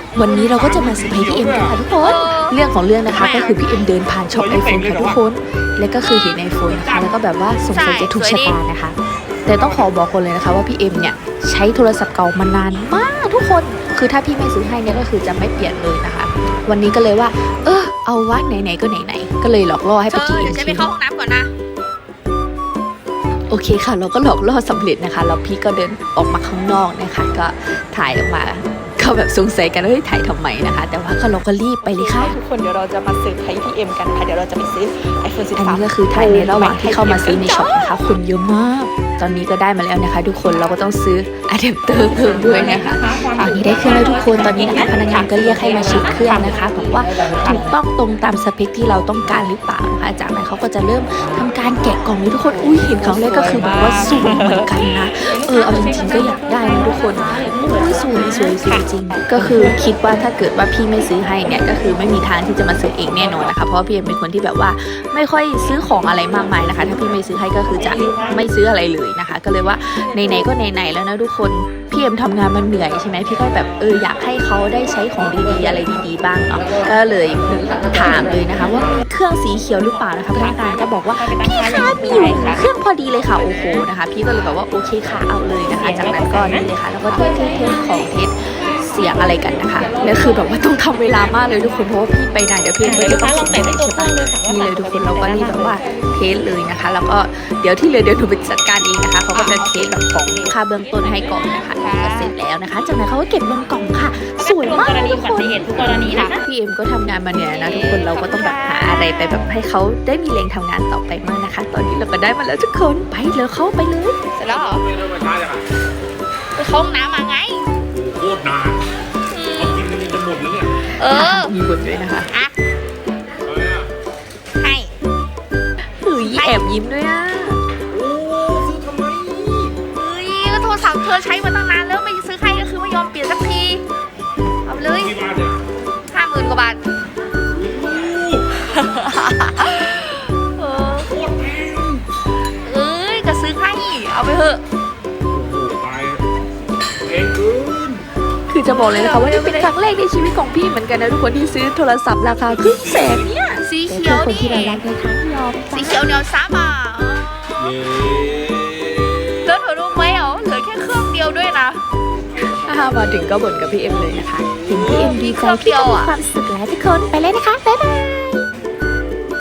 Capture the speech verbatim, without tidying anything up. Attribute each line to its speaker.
Speaker 1: วันนี้เราก็จะมาเซอร์ไพรส์พี่เอ็มกันค่ะทุกคนเรื่องของเรื่องนะคะก็คือพี่เอ็มเดินผ่านช็อปไอโฟนค่ะทุกคนแล้วก็คือเห็นไอโฟนนะคะแล้วก็แบบว่าสงสัยจะถูกชะตานะคะแต่ต้องขอบอกคนเลยนะคะว่าพี่เอ็มเนี่ยใช้โทรศัพท์เก่ามานานมากทุกคนคือถ้าพี่ไม่ซื้อให้เนี่ยก็คือจะไม่เปลี่ยนเลยนะคะวันนี้ก็เลยว่าเออเอาวะไหนๆก็ไหนๆก็เลยหลอกล่อให้ไปกินเอ็ม
Speaker 2: เดี๋ยวฉันไปเข้าห้องน้ำก่อนนะ
Speaker 1: โอเคค่ะเราก็หลอกล่อสำเร็จนะคะแล้วพี่ก็เดินออกมาข้างนอกนะคะก็ถ่ายออกมาเขาแบบสงสัยกันว่าเฮ้ยถ่ายทำไมนะคะแต่ว่าก็เราก็รีบไปเลยค่ะทุกคนเดี๋ยวเราจะมาซื้อไทยพี่เอ็มกันค่ะเดี๋ยวเราจะไปซื้อ ไอโฟน สิบสาม อันนี้ก็คือถ่ายในระหว่างที่เข้ามาซื้อในช็อปนะคะคนเยอะมากตอนนี้ก็ได้มาแล้วนะคะทุกคนเราก็ต้องซื้ออะแดปเตอร์เพิ่มด้วยนะคะตอนนี้ได้เครื่องแล้วทุกคนตอนนี้นะคะพนักงานก็เรียกให้มาเช็คเครื่องนะคะบอกว่าถูกต้องตรงตามสเปคที่เราต้องการหรือเปล่านะคะจากนั้นเขาก็จะเริ่มทำการแกะกล่องเลยทุกคนอุ้ยเห็นครั้งแรกก็คือแบบว่าสวยเหมือนกันนะเออเอาจริงๆก็อยากได้นะทุกคนอุ้ยสวยสวยสวยจริงก็คือคิดว่าถ้าเกิดว่าพี่ไม่ซื้อให้เนี่ยก็คือไม่มีทางที่จะมาซื้อเองแน่นอนนะคะเพราะพี่เอ็มเป็นคนที่แบบว่าไม่ค่อยซื้อของอะไรมากมายนะคะถ้าพี่ไม่ซื้อให้ก็คือจะไม่ซื้ออะไรเลยนะคะก็เลยว่าไหนๆก็ไหนๆแล้วนะทุกคนพี่เอ็มทำงานมันเหนื่อยใช่ไหมพี่ก็แบบเอออยากให้เขาได้ใช้ของดีๆอะไรดีๆบ้างเนาะก็เลยถามเลยนะคะว่ามีเครื่องสีเขียวหรือเปล่านะคะพนักงานก็บอกว่าพี่คะมีอยู่เครื่องพอดีเลยค่ะโอ้โหนะคะพี่ก็เลยแบบว่าโอเคค่ะเอาเลยนะคะจากนั้นก็นี่เลยค่ะแล้วก็เทสเทสของเทสเสียงอะไรกันนะคะแล้วคือแบบว่าต้องทำเวลามากเลยทุกคนเพราะว่าพี่ไปไหนเดี๋ยวพี่ก็จะต้องส่งให้ใช่ปะนี่เลยทุกคนเราก็รีบแบบว่าเทสเลยนะคะแล้วก็เดี๋ยวที่เหลือเดี๋ยวหนูไปจัดการเองนะคะเขาก็จะเทสแบบของค่าเบื้องต้นให้ก่อนนะคะก็เสร็จแล้วนะคะจากนั้นเขาก็เก็บลงกล่องค่ะสวยมากทุกคน
Speaker 2: ทุกกรณีนะ
Speaker 1: พี่เอ็มก็ทำงานมาเหนื่อยนะทุกคนเราก็ต้องแบบหาอะไรไปแบบให้เขาได้มีแรงทำงานต่อไปมากนะคะตอนนี้เราก็ได้มาแล้วทุกคนไปเลยเข้าไปเลย
Speaker 2: เสร็จแล้วเหรอไปเข้าห้องน้ำมาไง
Speaker 3: โคตรนานเอากินกันจะหมดแล้วเนี่ย
Speaker 2: เออ
Speaker 1: มีบทด้วยนะคะ
Speaker 2: อ่ะให้
Speaker 1: เฮ้ยแอบยิ้มด้วยอ่ะ
Speaker 3: โอ้ซื้อทำไม
Speaker 2: เฮ้ยก็โทรศัพท์เธอใช้มาตั้งนานแล้วไม่ซื้อใครก็คือไม่ยอมเปลี่ยนสักทีเอาเลย
Speaker 3: กี่บาทเนี่ย
Speaker 2: ห้าหมื่นกว่าบาทเออ
Speaker 3: โคตรแพง
Speaker 2: เอ้ยก็ซื้อให้เอาไปเถอะ
Speaker 3: โอ้โหตายแพงเกิน
Speaker 1: คือจะบอกเลยนะคะว่านี่เป็นครั้งแรกในชีวิตของพี่เหมือนกันนะทุกคนที่ซื้อโทรศัพท์ราคาครึ่งแสนเนี่ย
Speaker 2: สีเขียว
Speaker 1: นี่ที่เรารักในทั้งยอม
Speaker 2: สีเขียวเหนียวซับอ่ะ
Speaker 3: เย้
Speaker 2: แล้วเธอรู้ไหมอ๋อเหลือแค่เครื่องเดียวด้วยนะ
Speaker 1: ถ้ามาถึงก็บ่นกับพี่เอ็มเลยนะคะเห็นพี่เอ็มดีใจพี่ก็มีความสุขแล้วทุกคนไปเลยนะคะบ๊ายบาย